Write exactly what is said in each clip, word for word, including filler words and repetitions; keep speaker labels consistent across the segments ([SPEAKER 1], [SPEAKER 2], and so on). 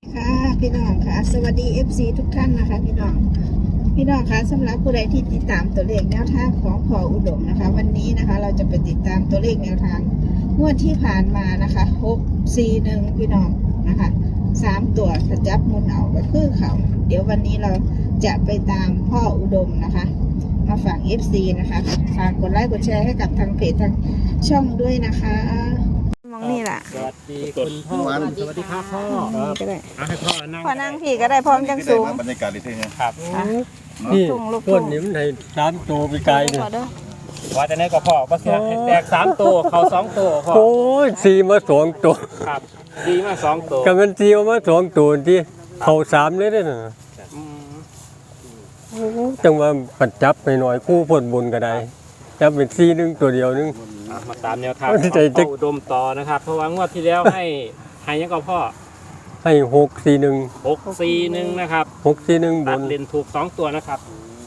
[SPEAKER 1] ค่ะพี่น้องค่ะสวัสดี เอฟ ซี ทุกท่านนะคะพี่น้องพี่น้องค่ะสำหรับผู้ใดที่ติดตามตัวเลขแนวทางของพ่ออุดมนะคะวันนี้นะคะเราจะไปติดตามตัวเลขแนวทางงวดที่ผ่านมานะคะหก สี่ หนึ่งพี่น้องนะคะสามตัวถ้าจับมุนเอาก็คือเขาเดี๋ยววันนี้เราจะไปตามพ่ออุดมนะคะมาฝาก เอฟ ซี นะคะฝากกดไลค์กดแชร์ให้กับทางเพจทางช่องด้วยนะคะมองนี่แหละ
[SPEAKER 2] สวัสดีคุณพ่อสวัสดีครับพ่อ
[SPEAKER 1] ก็ได้
[SPEAKER 2] เอาให้พ่อนั่ง
[SPEAKER 1] พอนั่งพี่ก็ได้พร้อมจังสูง
[SPEAKER 3] บรรยากาศดีเท่เนี่ย
[SPEAKER 2] ครับ
[SPEAKER 4] นี่
[SPEAKER 1] ทุ่งลูก
[SPEAKER 4] ต้นนี้มันให้สามตัวไปไกลเนี่ย
[SPEAKER 2] ว่าจะได้ก็พ่อก็เสียแตกสามตัวเขาสองตัวพ่อ
[SPEAKER 4] โอ้ยสี่มาสองตัว
[SPEAKER 2] ครับดีมากสองตัว
[SPEAKER 4] กับมันสี่มาสองตัวที่เขาสามเลยเด้อน่ะ
[SPEAKER 2] อืม
[SPEAKER 4] จังว่าปัดจับไปหน่อยคู่พ่นบุญก็ได้จับเป็นสี่หนึงตัวเดียวนึง
[SPEAKER 2] อ่ะมาตามแนวทาง
[SPEAKER 4] เอา
[SPEAKER 2] ของ
[SPEAKER 4] ใจจะ
[SPEAKER 2] พ่ออุดมต่อนะครับ เพราะว่างวดที่แล้วให้ให้ยังก็พ่อ
[SPEAKER 4] ให้หกสี่หนึ่ง
[SPEAKER 2] หกสี่หนึ่งนะครับ
[SPEAKER 4] หกสี่หนึ่งบ
[SPEAKER 2] ตัด
[SPEAKER 4] น
[SPEAKER 2] เลนถูกสองตัวนะครับ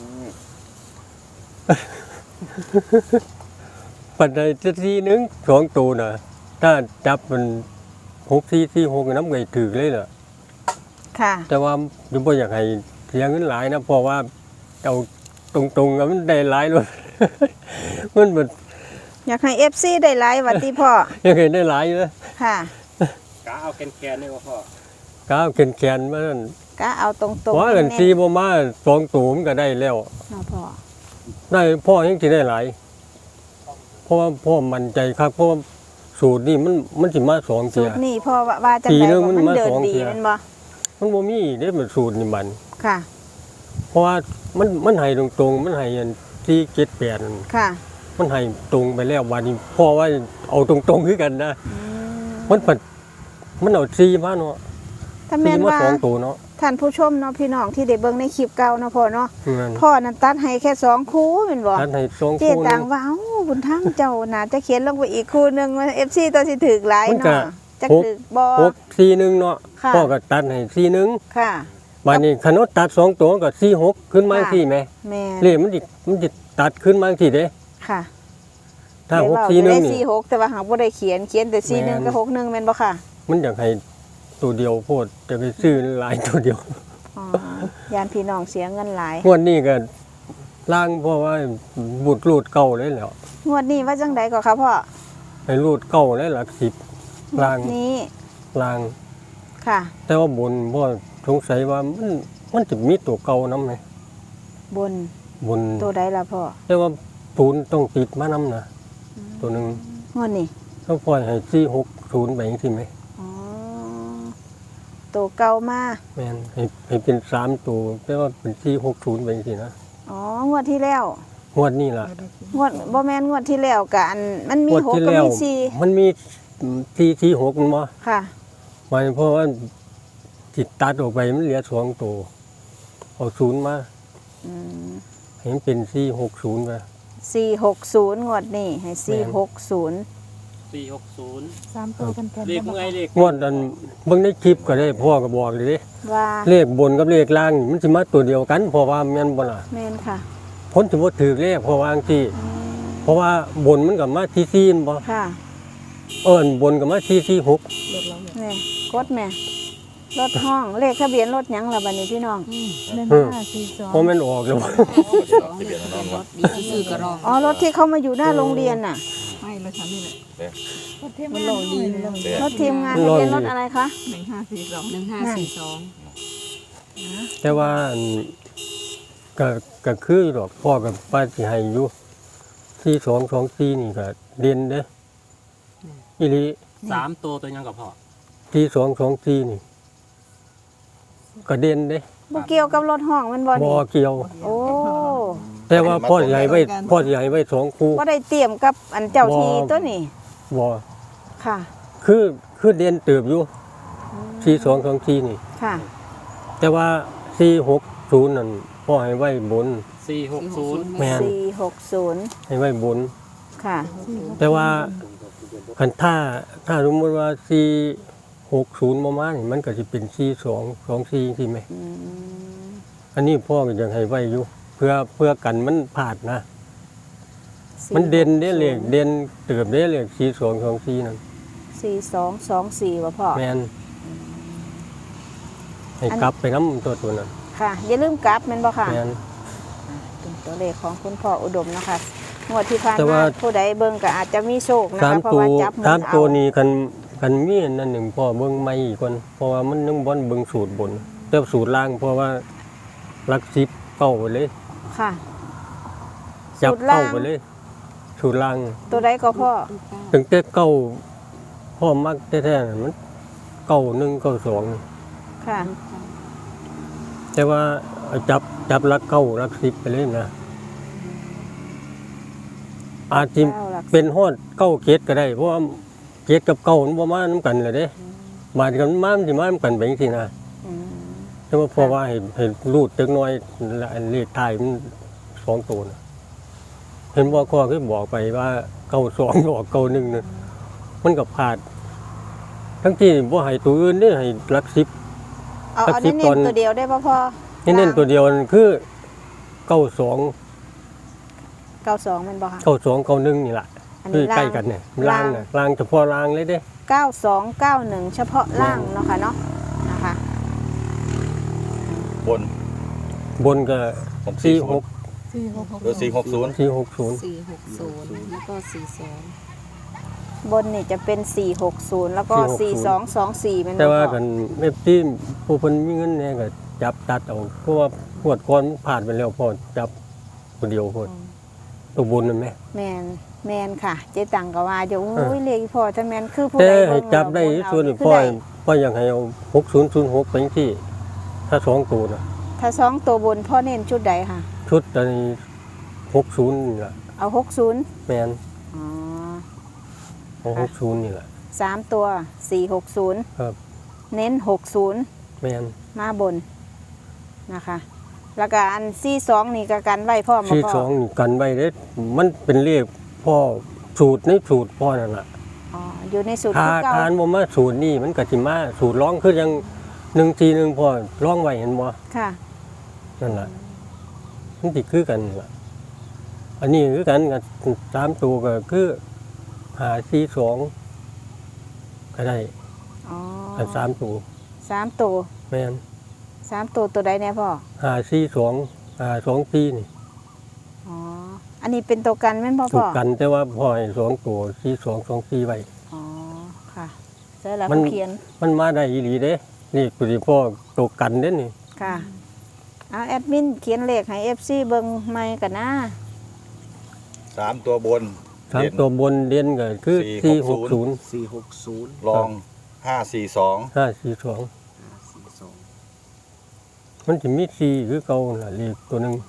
[SPEAKER 4] ปัดได้จะสี่หนึงสองตัวน่ะถ้าจับมันหกสี่สี่หกน้ำไก่ถือเลยเหรอ
[SPEAKER 1] ค่ะ
[SPEAKER 4] แต่ว่ายุบอยากให้เสียเงินหลายนะเพราะว่าเอาตรงๆอะมันได้หลายเลย มันแบบ
[SPEAKER 1] อยากให้ เอฟ ซี ได้ไลฟ์วัดที่พ่อ
[SPEAKER 4] ยังไงได้หลายเลย
[SPEAKER 1] ค่ะ
[SPEAKER 2] กาเอาแกนแกนๆนี่ก็พ่อ
[SPEAKER 4] ก้าวแขนๆมานั่น
[SPEAKER 1] ก็เอาตรงๆ
[SPEAKER 4] เพราะกันซีบ่มาสองตูมนก็ได้แล้ว
[SPEAKER 1] เนาะพ่อ
[SPEAKER 4] ได้พ่อยังสิได้หลายเพราะว่าพ่อมั่นใจครับเพราะว่าสูตรนี่มันมันสิมาสอง
[SPEAKER 1] สู
[SPEAKER 4] เทีย
[SPEAKER 1] ตรนี่พ่อว่าว่าจัง
[SPEAKER 4] ปี
[SPEAKER 1] ได
[SPEAKER 4] หนึ่ง
[SPEAKER 1] บ่
[SPEAKER 4] มัน
[SPEAKER 1] มัน
[SPEAKER 4] มา
[SPEAKER 1] เดิน
[SPEAKER 4] สอง
[SPEAKER 1] ดี
[SPEAKER 4] เที่ย
[SPEAKER 1] แมันบ่
[SPEAKER 4] มันบ่มีเด้มันสูตรนี่มัน
[SPEAKER 1] ค่ะ
[SPEAKER 4] เพราะว่ามันมันให้ตรงๆมันให้อันที่เจ็ดแปดนั่น
[SPEAKER 1] ค่ะ
[SPEAKER 4] มันให้ตรงไปแล้ววันนี้พ่อว่าเอาตรงๆคือกันนะ
[SPEAKER 1] อืม
[SPEAKER 4] มันผัดมันเอาซีมาเนาะ
[SPEAKER 1] ถ้า
[SPEAKER 4] ซี
[SPEAKER 1] แม่น
[SPEAKER 4] มา
[SPEAKER 1] ว่า
[SPEAKER 4] สองตัวเนาะ
[SPEAKER 1] ท่านผู้ชมเนาะพี่น้องที่ได้เบิ่งในคลิปเก่าเนาะพ่อเนาะ
[SPEAKER 4] นั่น
[SPEAKER 1] พ่อนั้นตัดให้แค่สองคู่แม่นบ่
[SPEAKER 4] ท่านให้สอง
[SPEAKER 1] เจ๊
[SPEAKER 4] คู่
[SPEAKER 1] ต่า
[SPEAKER 4] นึ
[SPEAKER 1] ง
[SPEAKER 4] ง
[SPEAKER 1] ว่าเอ้าบุญทั้งเจ้าน่าจะเขียนลงไปอีกคู่หนึงว่า เอฟ ซี ตัวสิถูกหลาย
[SPEAKER 4] มันก็
[SPEAKER 1] เนาะจะ
[SPEAKER 4] หก
[SPEAKER 1] ถูกบ่
[SPEAKER 4] หกสี่หนึ่งเนาะ
[SPEAKER 1] ค่ะ
[SPEAKER 4] พ่อก็ตัดให้สี่หนึ่ง
[SPEAKER 1] ค่ะ
[SPEAKER 4] บัดนี้ขนมตัดสองตัวก็สี่หกขึ้นมา
[SPEAKER 1] ค่ะ
[SPEAKER 4] สี่ไหม
[SPEAKER 1] แม่
[SPEAKER 4] เลขมันจิมันจิตัดขึ้นมาสี่เด้
[SPEAKER 1] ค่ะ
[SPEAKER 4] ถ้าหก
[SPEAKER 1] ได้
[SPEAKER 4] สี่หนึ่ง
[SPEAKER 1] ได้
[SPEAKER 4] นี่
[SPEAKER 1] สี่หกแต่ว่าหากบ่ได้เขียนเขียนแต่สี่หนึ่ง
[SPEAKER 4] แม่น
[SPEAKER 1] กับหกหนึ่งแม่นบ่ค่ะ
[SPEAKER 4] มันอยากให้ตัวเดียวโพดจะไปซื้อหลายตัวเดียว
[SPEAKER 1] อ๋อยานพี่น้องเสียเงินหลาย
[SPEAKER 4] งวดนี้ก็ล่างเพราะว่าบูดรูดเก่าเลยแล้ว
[SPEAKER 1] งวดนี้ว่าจังใดก็ครับพ่อ
[SPEAKER 4] ให้รูดเก่าเลยหลักสิบล่าง
[SPEAKER 1] นี้
[SPEAKER 4] ล่าง
[SPEAKER 1] ค่ะ
[SPEAKER 4] แต่ว่าบนพ่อสงสัยว่ามันมันจะมีตัวเก่านํไหม
[SPEAKER 1] บน
[SPEAKER 4] บน
[SPEAKER 1] ตัวใดล่ะพ่อ
[SPEAKER 4] แต่ว่าศูนย์ต้องติดมานํนะตัวหนึ่ง
[SPEAKER 1] งวดนี้
[SPEAKER 4] เขาปล่อยให้สี่หกศูนย์ไปอย่างที่ไหม
[SPEAKER 1] อ๋อตัวเก่ามา
[SPEAKER 4] แมนให้ให้เป็นสามตัวแต่ว่าเป็นสี่หกศูนย์ไปอย่างที่นะ
[SPEAKER 1] อ๋องวดที่แล้ว
[SPEAKER 4] งวดนี้ล่ะ
[SPEAKER 1] งวดบ่แม่นงวดที่แล้วกะอันมันมี
[SPEAKER 4] งวด
[SPEAKER 1] หก
[SPEAKER 4] ที่
[SPEAKER 1] กับ
[SPEAKER 4] แล้ว
[SPEAKER 1] มีสี่
[SPEAKER 4] มันมีสี่สี่หกมันบ่
[SPEAKER 1] ค่ะ
[SPEAKER 4] หมายเพราะว่าติดตัดออกไปมันเหลือสองตัวเอาศูนย์มา
[SPEAKER 1] อืม
[SPEAKER 4] ให้มันเป็นสี่หกศูนย์ไป
[SPEAKER 1] สี่หกศูนย์งวดนี้ให้สี่หกศูนย์
[SPEAKER 2] สี่หกศูนย์
[SPEAKER 5] สามตัวกันกัน
[SPEAKER 2] เลขเมื่อยเลข
[SPEAKER 4] งวดนั้นเบิ่งในคลิปก็ได้พ่อก็บอกเลยเด้
[SPEAKER 1] ว่า
[SPEAKER 4] เลขบนกับเลขล่างนี่มันสิมาตัวเดียวกันเพราะว่าแม่นบ่ล่ะ
[SPEAKER 1] แม่นค่ะ
[SPEAKER 4] พ้นถือว่าถือเลขเพราะว่าจังซี่เพราะว่าบนมันก็มาที่สี่บ่
[SPEAKER 1] ค่ะ
[SPEAKER 4] เอิ้นบนก็มาที่สี่หก
[SPEAKER 1] แม่กดแม่รถห้องเลขทะเบียนรถหยังล่ะบัดนี้พี่น้อง
[SPEAKER 5] หนึ่งห้าสี่สอง
[SPEAKER 4] เพราะมันออกแล้ว
[SPEAKER 3] ทะเบียนนอนวะ
[SPEAKER 5] ดีที่ซื้อกระรอก
[SPEAKER 1] อ๋อรถที่เขามาอยู่หน้าโรงเรียนน่ะ
[SPEAKER 5] ไม่รถฉันนี่แหละ
[SPEAKER 3] เนี่ย
[SPEAKER 5] รถเทพมันลงดีเลย
[SPEAKER 1] รถทีมงานทะเบียนรถอะไรคะ
[SPEAKER 5] หนึ่งห้าสี่สองหนึ่งห้าสี่สอง
[SPEAKER 4] แต่ว่าอันก็ก็คือดอกพ่อกับป้าสิให้อยู่ที่สองสองสี่นี่ก็เด่นเด้อีหลี
[SPEAKER 2] สามตัวตัวยังกับพ่อ
[SPEAKER 4] ที่สองสองสี่นี่ก็เด่นเด้
[SPEAKER 1] บ่เกี่ยวกับรถห้องมันบ่
[SPEAKER 4] บ่
[SPEAKER 1] นี่
[SPEAKER 4] เกี่ยว
[SPEAKER 1] โอ้
[SPEAKER 4] แต่ว่าพ่อใหญ่ไว้พ่อใหญ่ไว้สองคู่
[SPEAKER 1] บ่ได้เตรียมกับอันเจ้าทีตัวนี้
[SPEAKER 4] บ่
[SPEAKER 1] ค่ะ
[SPEAKER 4] คือคือเด่นเติบอยู่ที่สองสองสี่นี่
[SPEAKER 1] ค่ะ
[SPEAKER 4] แต่ว่าสี่หกศูนย์นั่นพ่อให้ไว้บน
[SPEAKER 2] สี่หกศูนย์
[SPEAKER 4] แม่น
[SPEAKER 1] สี่หกศูนย์
[SPEAKER 4] ให้ไว้บน
[SPEAKER 1] ค่ะ
[SPEAKER 4] แต่ว่าคันถ้าถ้าสมมติว่าสี่หกศูนย์มามานี่มันก็จะเป็นสี่สองสองสี่ใช่ไหม
[SPEAKER 1] อืม
[SPEAKER 4] อันนี้พ่อก็ยังให้ไว้อยู่ เพื่อเพื่อกันมันผาดนะ มันเด่นได้เลขเด่นเติบได้เลขสี่สองสองสี่นั่น
[SPEAKER 1] สี่สองสองสี่บ่พ่อ
[SPEAKER 4] แมนให้กลับไปน้ำตัวตัวนั้น
[SPEAKER 1] ค่ะอย่าลืมกลับแม่นบ่ค่ะ
[SPEAKER 4] แม่น
[SPEAKER 1] เป็นตัวเลขของคุณพ่ออุดมนะคะงวดที่ผ่าน
[SPEAKER 4] แต่
[SPEAKER 1] มา
[SPEAKER 4] ว่า
[SPEAKER 1] ผู้ใดเบิ่งก็อาจจะมีโชคนะ
[SPEAKER 4] สาม
[SPEAKER 1] คะเพราะ
[SPEAKER 4] ตัว
[SPEAKER 1] ว่าจับหมุ
[SPEAKER 4] สาม
[SPEAKER 1] นเอา
[SPEAKER 4] ตัวนี้กันกันมีอันนั่นหนึ่งพ่อเบิ่งไม่อีกคนเพราะว่ามันนึงบ่อนเบิ่งสูตรบนแต่สูตรล่างเพราะว่าหลักสิบเก้าไปเลย
[SPEAKER 1] ค่ะ
[SPEAKER 4] จับ
[SPEAKER 1] สูตรล่าง
[SPEAKER 4] เก้าไปเลย สูตรล่าง
[SPEAKER 1] ตัวใดก็พ่อ
[SPEAKER 4] ถึงแต่เก้าพ่อมักแท้ๆน่ะมันเก้าหนึ่งเก้าสอง
[SPEAKER 1] ค่ะ
[SPEAKER 4] แต่ว่าเอาจับจับหลักเก้าหลักสิบไปเลยนะอาจจะ
[SPEAKER 1] เก้าหลักสิบ
[SPEAKER 4] เป็นฮอดเก้าเกตก็ได้เพราะว่าเกตกับเก้ามันบ่มานํกันเลยเด้บาดกันมามันสิมานํกันไปจังซี่นะ
[SPEAKER 1] อืม
[SPEAKER 4] แต่ว่าเพราะว่าเห็นเห็นรูดจักหน้อยและอันเลขท้ายมันสองตัวนะเห็นบ่ข้อคือบอกไปว่าเก้าสองออกเก้าหนึ่งน่ะมันก็พลาด ทั้งที่บ่ให้ตัวอื่นเด้ให้หลักสิบ
[SPEAKER 1] เอา
[SPEAKER 4] หลัก
[SPEAKER 1] เอา
[SPEAKER 4] สิบ
[SPEAKER 1] เน้
[SPEAKER 4] ตอน
[SPEAKER 1] นๆตัวเดียวได้ป่ะพ่อ
[SPEAKER 4] เน้นๆตัวเดียวนั่นคือเก้าสอง
[SPEAKER 1] เก้าสองแมันบ่ค่ะ
[SPEAKER 4] เก้าสองเก้าหนึ่งนี่แหละ
[SPEAKER 1] อัน
[SPEAKER 4] คื
[SPEAKER 1] นี้
[SPEAKER 4] อใกล้กันเนี่ยล่างน่ะล่างเฉพาะล่างเลยเด้
[SPEAKER 1] เก้าสองเก้าหนึ่งเฉพาะล่างเนาะค่ะเนาะนะคะ
[SPEAKER 3] บน
[SPEAKER 4] บนก็
[SPEAKER 3] ผม
[SPEAKER 4] สี่
[SPEAKER 3] สี่
[SPEAKER 4] ห
[SPEAKER 3] ห
[SPEAKER 4] ก
[SPEAKER 3] ก
[SPEAKER 5] สี่หก
[SPEAKER 3] หรือสี่หกศูนย์
[SPEAKER 4] สี่หกศูนย์
[SPEAKER 5] สี่หกศูนย์แล้วก็สี่สอง
[SPEAKER 1] บนนี่จะเป็นสี่หกศูนย์แล้วก็สี่สองสองสี่เป็นบ่
[SPEAKER 4] แต่ว่า
[SPEAKER 1] พ่อ
[SPEAKER 4] กันเอฟที่ผู้เพิ่นมีเงินเนี่ยก็จับตัดเอาเพราะว่าปวดก่อนผ่านไปแล้วพอจับคนเดียวพอตัวบนนั่นแหม
[SPEAKER 1] แมนแมนค่ะ เจ๊ตังก็ว่าอยู่
[SPEAKER 4] เออ
[SPEAKER 1] โอ้ยเลขพ่อถ้าแมนคือผู้
[SPEAKER 4] แต่
[SPEAKER 1] ใด
[SPEAKER 4] ให้
[SPEAKER 1] เง
[SPEAKER 4] จับได้
[SPEAKER 1] แล้ว
[SPEAKER 4] ส่วนนี้
[SPEAKER 1] คื
[SPEAKER 4] พ่อ
[SPEAKER 1] ได้
[SPEAKER 4] พ่ออยากให้เอาหกศูนย์ศูนย์หกไปจังซี่ถ้าสองตัวน่ะ
[SPEAKER 1] ถ้าสองตัวบนพ่อเน้นชุดใดค่ะ
[SPEAKER 4] ชุดอันนี้หกศูนย์นี่ล่ะ
[SPEAKER 1] เอาหกศูนย์
[SPEAKER 4] แม่น
[SPEAKER 1] อ๋อ
[SPEAKER 4] เอาหกศูนย์นี่ล่ะ
[SPEAKER 1] สามตัวสี่หกศูนย์
[SPEAKER 4] ครับ
[SPEAKER 1] เน้นหกศูนย์
[SPEAKER 4] แม่น
[SPEAKER 1] มาบนนะคะ แล้วก็อันซี่สองนี่ก็กันไว้พ่อมา
[SPEAKER 4] ที่
[SPEAKER 1] พ่อ
[SPEAKER 4] สองนี่กันไว้เด้มันเป็นเลขพ่อสูตรในสูตรพ่อนั่นล่ะ
[SPEAKER 1] อ๋ออยู่ในสูตร
[SPEAKER 4] ถ้า
[SPEAKER 1] ที่เก้า
[SPEAKER 4] ทานบ่มาสูตรนี่มันก็สิมาสูตรร้องคือยังหนึ่งทีหนึ่งพอร้องไว้เห็นบ่
[SPEAKER 1] ค่ะ
[SPEAKER 4] นั่นล่ะมันสิคือกันล่ะอันนี้คือกันกับสามตัวก็คือหาสี่สองก็ได้
[SPEAKER 1] อ๋อ
[SPEAKER 4] อันสามตัว
[SPEAKER 1] สามตัว
[SPEAKER 4] แม่น
[SPEAKER 1] สามตัวตัวใดเนี่ยพ่อ
[SPEAKER 4] หาสี่สองหาสองสี่นี่
[SPEAKER 1] อ๋ออันนี้เป็นตัวกันแม่นพ่อ
[SPEAKER 4] ถู
[SPEAKER 1] พ่
[SPEAKER 4] ก
[SPEAKER 1] อ
[SPEAKER 4] กันแต่ว่าพอให้สองตัวสี่สองสองสี่ไว้
[SPEAKER 1] อ๋อค่ะใช่แล้ว
[SPEAKER 4] มัน
[SPEAKER 1] เขาเขียน
[SPEAKER 4] มันมาได้อีหลีเด้นี่กูสิพ่อตัวกันเด้นี่
[SPEAKER 1] ค่ะเอาแอดมินเขียนเลขให้ เอฟ ซี เบิ่งใหม่กันนะ
[SPEAKER 3] สามตัวบน
[SPEAKER 4] สาม
[SPEAKER 3] เด่น
[SPEAKER 4] ตัวบนเด่นก็คือ
[SPEAKER 3] สี่
[SPEAKER 4] สี่
[SPEAKER 3] ห
[SPEAKER 4] ห
[SPEAKER 3] ก
[SPEAKER 4] ก
[SPEAKER 3] ศู
[SPEAKER 4] ศู
[SPEAKER 3] น
[SPEAKER 4] น
[SPEAKER 3] ย์
[SPEAKER 4] ย์
[SPEAKER 6] สี่หกศูนย์
[SPEAKER 3] รองห้าสี่สอง
[SPEAKER 4] ห้าสี่สอง
[SPEAKER 6] สี่สอง
[SPEAKER 4] มันจะมีสี่คือเก่าน่ะเลขตัวหนึ่ง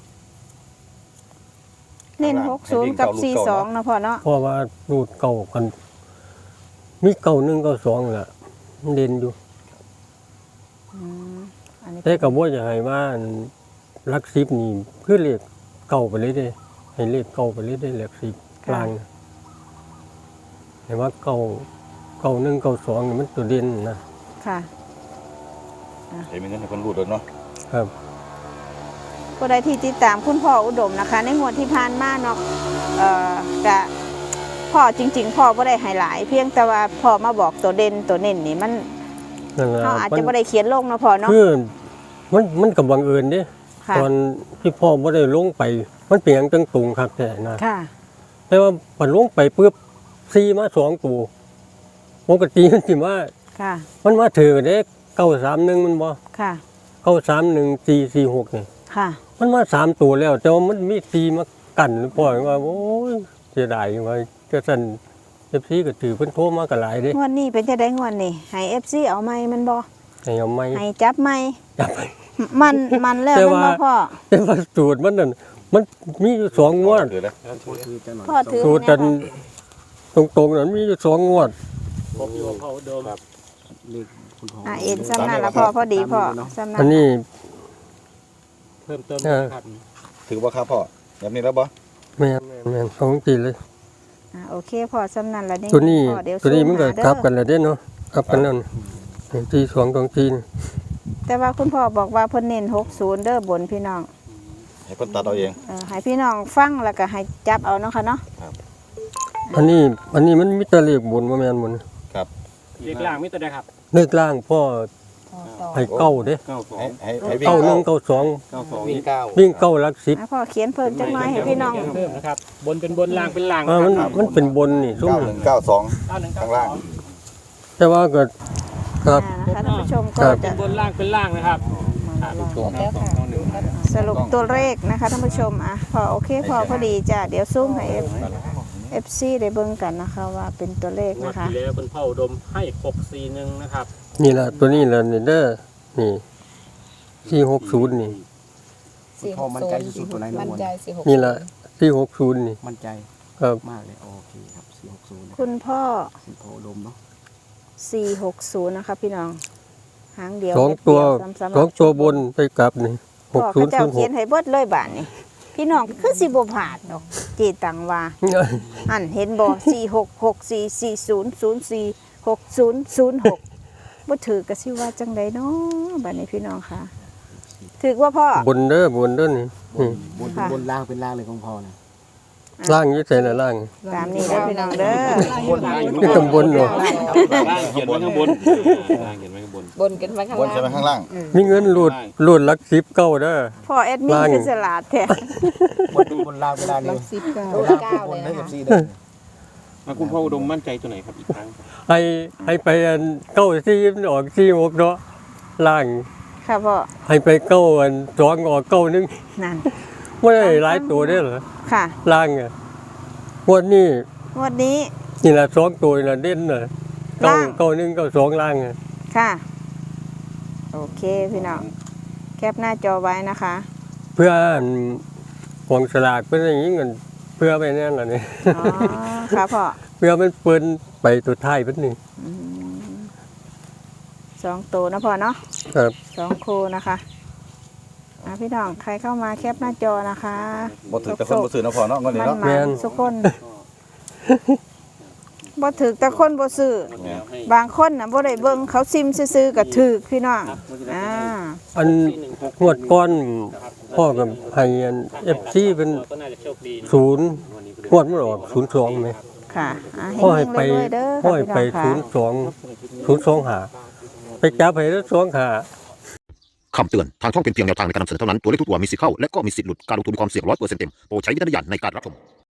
[SPEAKER 1] เน้นหกศูนย์กับสี่สองนะพ่อเนาะ
[SPEAKER 4] เพราะว่ารูดเก่ากัน มีเก่าหนึ่งเก่าสองแหละมันเด่นอยู่
[SPEAKER 1] อืมอันนี้
[SPEAKER 4] แต่กับว่าจะให้ว่าหลักสิบนี่คือเลขเก่าไปเลยเด้ให้เลขเก่าไปเลยได้หลักสิบกลางน่ะเห็นว่าเก่าเก่าหนึ่งเก่าสองนี่มันตัวเด่นนะ
[SPEAKER 1] ค่ะ
[SPEAKER 3] เห็นมีเงินให้คนรูดเลยเนาะ
[SPEAKER 4] ครับ
[SPEAKER 1] ผู้ใดที่ติดตามคุณพ่ออุดมนะคะ ในงวดที่ผ่านมาเนาะเอ่อกะพ่อจริง ๆ พ่อบ่ได้ให้หลาย เพียงแต่ว่าพ่อมาบอกตัวเด่นตัวเน้นนี่มัน
[SPEAKER 4] นั่นแหละ
[SPEAKER 1] เขาอาจ
[SPEAKER 4] มั
[SPEAKER 1] จะ
[SPEAKER 4] น
[SPEAKER 1] บ่ได้เขียนลงนะพ่อเนาะ
[SPEAKER 4] คือมันมันกับบังเอิญเด้
[SPEAKER 1] ค่ะ
[SPEAKER 4] ตอนที่พ่อไม่ได้ลงไป มันเป็นอย่างจังตุงครับแต่นะ
[SPEAKER 1] ค่ะ
[SPEAKER 4] แต่ว่าพอลงไปปุ๊บซีมาสองตัวปกติมันสิว่า
[SPEAKER 1] ค่ะ
[SPEAKER 4] มันมาถือเด็กเก้าสามหนึ่งมันบ่
[SPEAKER 1] ค่ะ
[SPEAKER 4] เก้าสามหนึ่งสี่สี่หกนี่
[SPEAKER 1] ค่ะ
[SPEAKER 4] มันมาสามตัวแล้ว แต่ว่ามันมีซีมากันพ่อว่าโอ้ยเสียดายว่าจะสั่นเอฟซีก็ถือเพิ่นโทรมากันหลายเด้
[SPEAKER 1] งวดนี้เป็นจะได้งวดนี่ให้ เอฟ ซี เอาไหมมันบ่
[SPEAKER 4] ให้เอาไม้
[SPEAKER 1] ให้จับไหม
[SPEAKER 4] จับไป
[SPEAKER 1] มันมันแล้ว
[SPEAKER 4] แต่
[SPEAKER 1] มัน
[SPEAKER 4] ว่า
[SPEAKER 1] บ่พ่อ
[SPEAKER 4] แต่ว่าสูตรมันนั่นมันมีอยู่สองงวด
[SPEAKER 3] ถือแล้ว
[SPEAKER 6] พูดคือจะหน่อย
[SPEAKER 1] พ่อถือ
[SPEAKER 4] สูตรกันตรงๆนั้นมีอยู่สองงวด
[SPEAKER 2] ผมอยู่กับเขาเดิม
[SPEAKER 6] เลขคุณพ่อ
[SPEAKER 1] อ่ะเอ็นซ้ำนั่นละพ่อพอดีพ่อซ้ำนั่
[SPEAKER 4] อั
[SPEAKER 1] น
[SPEAKER 4] นนี้
[SPEAKER 2] เพิ่มเติม
[SPEAKER 4] เออ
[SPEAKER 2] ครับ
[SPEAKER 3] ถือว่าครับพ่อแบบนี้แล้วบ่
[SPEAKER 4] แม่นแม่นของจริงเลย
[SPEAKER 1] อ่ะโอเคพ่อซ้ำนั่นละนี่
[SPEAKER 4] ตัวนี้
[SPEAKER 1] พ่อเดี๋ยว
[SPEAKER 4] ตัวนี้
[SPEAKER 1] ซู
[SPEAKER 4] มันก็
[SPEAKER 1] หาเด้อ
[SPEAKER 4] กลับกันแล้วเด้เนาะกลับกันแล้วทีสองตรงทีน
[SPEAKER 1] แต่ว่าคุณพ่อบอกว่าเพิ่นเน้นหกศูนย์เด้อบนพี่น้อง
[SPEAKER 3] ให้คนตัดเอาเอง
[SPEAKER 1] เออให้พี่น้องฟังแล้วก็ให้จับเอาเนาะค่ะเนาะ
[SPEAKER 4] อันนี้อันนี้มันมีแต่เลขบนว่าแม่นบน
[SPEAKER 2] เรียกล่างมิตรได้ครับ
[SPEAKER 4] เลขล่างพ่อให้เก้าเด้
[SPEAKER 6] เก้าสอ
[SPEAKER 3] ให้
[SPEAKER 6] ง
[SPEAKER 3] ให้ให้วิ่ง
[SPEAKER 4] เก้าหนึ่
[SPEAKER 3] เก้าง
[SPEAKER 4] เก้าสอง
[SPEAKER 6] เก้าสอง
[SPEAKER 2] วิ่งเก้า
[SPEAKER 4] วิ่งเก้าหลักสิบ
[SPEAKER 1] อ่ะพ่อเขียนเพิ่มจังน้อยให้พี่น้อง
[SPEAKER 2] เพิ่มนะครับ บนเป็นบนล่างเป็นล่าง
[SPEAKER 4] อ่า
[SPEAKER 2] นะ
[SPEAKER 4] มัน
[SPEAKER 2] ครับ
[SPEAKER 4] มันเป็นบนนี่ซุ่ม
[SPEAKER 3] เก้าหนึ่งเก้าสอง
[SPEAKER 2] เก้าหนึ่ง
[SPEAKER 3] ข้า
[SPEAKER 2] เก้าง
[SPEAKER 3] ล่าง
[SPEAKER 4] แต่ว่าก็ครับ
[SPEAKER 1] อ่านะคะท่านผู้ชม
[SPEAKER 4] ค
[SPEAKER 1] ก็
[SPEAKER 4] รับ
[SPEAKER 1] จะ
[SPEAKER 2] เป็นบนล่างเป็นล่างนะครับ
[SPEAKER 1] แล้วค่ะสรุปตัวเลขนะคะท่านผู้ชมอ่ะพอโอเคพอพอดีจ้ะเดี๋ยวซูมให้ F FC ได้เบิ่งกันนะคะว่าเป็นตัวเลข
[SPEAKER 2] งวด
[SPEAKER 1] นะคะ
[SPEAKER 2] ที่แล้วคุณพ่ออุดมให้หกสี่หนึ่งนะครับ
[SPEAKER 4] นี่ล่ะตัวนี้ล่ะนี่เด้อนี่สี่หกศูนย์นี่
[SPEAKER 6] คุณพ่อมั่นใจสุดๆตัวไหนนะ
[SPEAKER 5] มั่น
[SPEAKER 6] วัน
[SPEAKER 5] ใจสี่หก
[SPEAKER 4] นี่ล่ะสี่หกศูนย์นี่
[SPEAKER 6] มั่นใจ
[SPEAKER 4] ครับ
[SPEAKER 6] มากเลยโอเคครับสี่หกศูนย์
[SPEAKER 1] คุณพ่อ
[SPEAKER 6] คุณพ่ออุดมเนาะ
[SPEAKER 1] สี่หกศูนย์นะคะพี่น้องหางเดียว
[SPEAKER 4] สองตัว
[SPEAKER 1] เม็ดเดียซ้ำๆ
[SPEAKER 4] สองตัวบนไปกลับนี่ห
[SPEAKER 1] พ่อก
[SPEAKER 4] ศู
[SPEAKER 1] เขา
[SPEAKER 4] นย์
[SPEAKER 1] เจ้า
[SPEAKER 4] ศูนย์ห
[SPEAKER 1] เขีย
[SPEAKER 4] ก
[SPEAKER 1] นให้เบิดเลยบาทนี่พี่น้องคือสิบ่ผ่านดอกเจตังว่า อันเห็นบ่สี่หกหกสี่สี่ศูนย์ศูนย์สี่หกศูนย์ศูนย์หกบ่ถือก็สิว่าจังไดเนาะบัดนี้พี่น้องค่ะถือว่าพ่อบ
[SPEAKER 4] นเด้อบนเด้อนี่
[SPEAKER 6] บนบนบนล่างเป็นล่างเลยของพ่อนะ
[SPEAKER 4] ล่างอยี่ใส่ละล่าง
[SPEAKER 1] ตามนี้เด้อพี่น้องเด้อ
[SPEAKER 4] นี่ตำบลเนาะ
[SPEAKER 2] ล่างเขียนไว้ข้างบนล่างเขียนไว้ข้างบน
[SPEAKER 5] บนกันไว้ข้าง
[SPEAKER 3] บน
[SPEAKER 5] ล่า
[SPEAKER 3] ใช่ไหม
[SPEAKER 5] ง
[SPEAKER 3] ข้างล่าง
[SPEAKER 4] มีเงินรูดรูดหลักสิบเก้าเด้อ
[SPEAKER 1] พ่อแอดมิน
[SPEAKER 4] ล่าง
[SPEAKER 1] คือฉลาดแท้
[SPEAKER 6] บนบนล่างเวลา
[SPEAKER 5] หลั
[SPEAKER 6] นี้
[SPEAKER 5] กสิบเก้า
[SPEAKER 6] เวลา
[SPEAKER 5] เก้า
[SPEAKER 6] บ
[SPEAKER 5] เล
[SPEAKER 6] น
[SPEAKER 5] ย
[SPEAKER 6] ให้
[SPEAKER 5] นะ
[SPEAKER 6] เอฟ
[SPEAKER 5] คะ
[SPEAKER 6] ซีเด้อ
[SPEAKER 2] แล้วคุณพ่ออุดมมั่นใจตัวไหนครับอีกครั้ง
[SPEAKER 4] ให้ให้ไปอันเก้าสี่มันออกสี่หกเนาะล่าง
[SPEAKER 1] ค่ะพ่อ
[SPEAKER 4] ให้ไปเก้าอันสองออกเก้าหนึง
[SPEAKER 1] นั่น
[SPEAKER 4] ไม่ได้หลายตัวเด้อเหรอ
[SPEAKER 1] ค่ะ
[SPEAKER 4] ล่างอ่ะงวันนี้
[SPEAKER 1] งวดนี้
[SPEAKER 4] นี่ละสองตัวนี่ละเด่นน่ะเก้า
[SPEAKER 1] ล่าง
[SPEAKER 4] เก้าหนึ่งเก้าสองล่างอ่ะ
[SPEAKER 1] ค่ะ โอเคพี่น้องแคปหน้าจอไว้นะคะ
[SPEAKER 4] เพื่ออันกองสลากเป็นอย่างนี้เงินเพื่อไปแน่นล่ะนี่
[SPEAKER 1] อ๋อค่ะพ่อ
[SPEAKER 4] เพื่อมันเปิ้นไปตัวท้ายเป็นนี่
[SPEAKER 1] อืมสองตัวนะพ่อเนาะ
[SPEAKER 4] ครับ
[SPEAKER 1] สองคู่นะคะอ่ะพี่น้องใครเข้ามาแคปหน้าจอนะคะ
[SPEAKER 3] บ่ถือแต่คนบ่ซื้อเนาะพ่อเนาะเงินนี้
[SPEAKER 1] มัน
[SPEAKER 3] เนาะ
[SPEAKER 1] มาสุกคนบ่ถึกแต่คนบ่ซื้อ
[SPEAKER 2] งวดที่แล้วให้
[SPEAKER 1] บางคนน่ะบ่ได้เบิ่งเขาซิมซื่อๆก็ถึกพี่น้องอ่า
[SPEAKER 4] อัน
[SPEAKER 2] สี่หนึ่งหก
[SPEAKER 4] งวดก้อนพ่อกับให้อันเอฟซีเป็น
[SPEAKER 2] ก็น่าจะโชคดีนะ
[SPEAKER 4] ศูนย์
[SPEAKER 2] วันนี้
[SPEAKER 4] งวดมันออกศูนย์สองไหม
[SPEAKER 1] ค่ะอ่ะ
[SPEAKER 4] พ่อให้
[SPEAKER 1] เฮ
[SPEAKER 4] ไป
[SPEAKER 1] งๆรวยๆเด้อ
[SPEAKER 4] พ่อให้ไป
[SPEAKER 1] ค่ะ
[SPEAKER 4] ศูนย์สองศูนย์สองหาไปจับให้แล้วสองหา
[SPEAKER 7] คำเตือน ทางช่องเป็นเพียงแนวทางในการนำเสนอเท่านั้น ตัวเลขทุกตัวมีสิทธิ์เข้า และก็มีสิทธิ์หลุด การลงทุนมีความเสี่ยงร้อยเปอร์เซ็นต์เต็ม โปรดใช้วิจารณญาณในการรับชม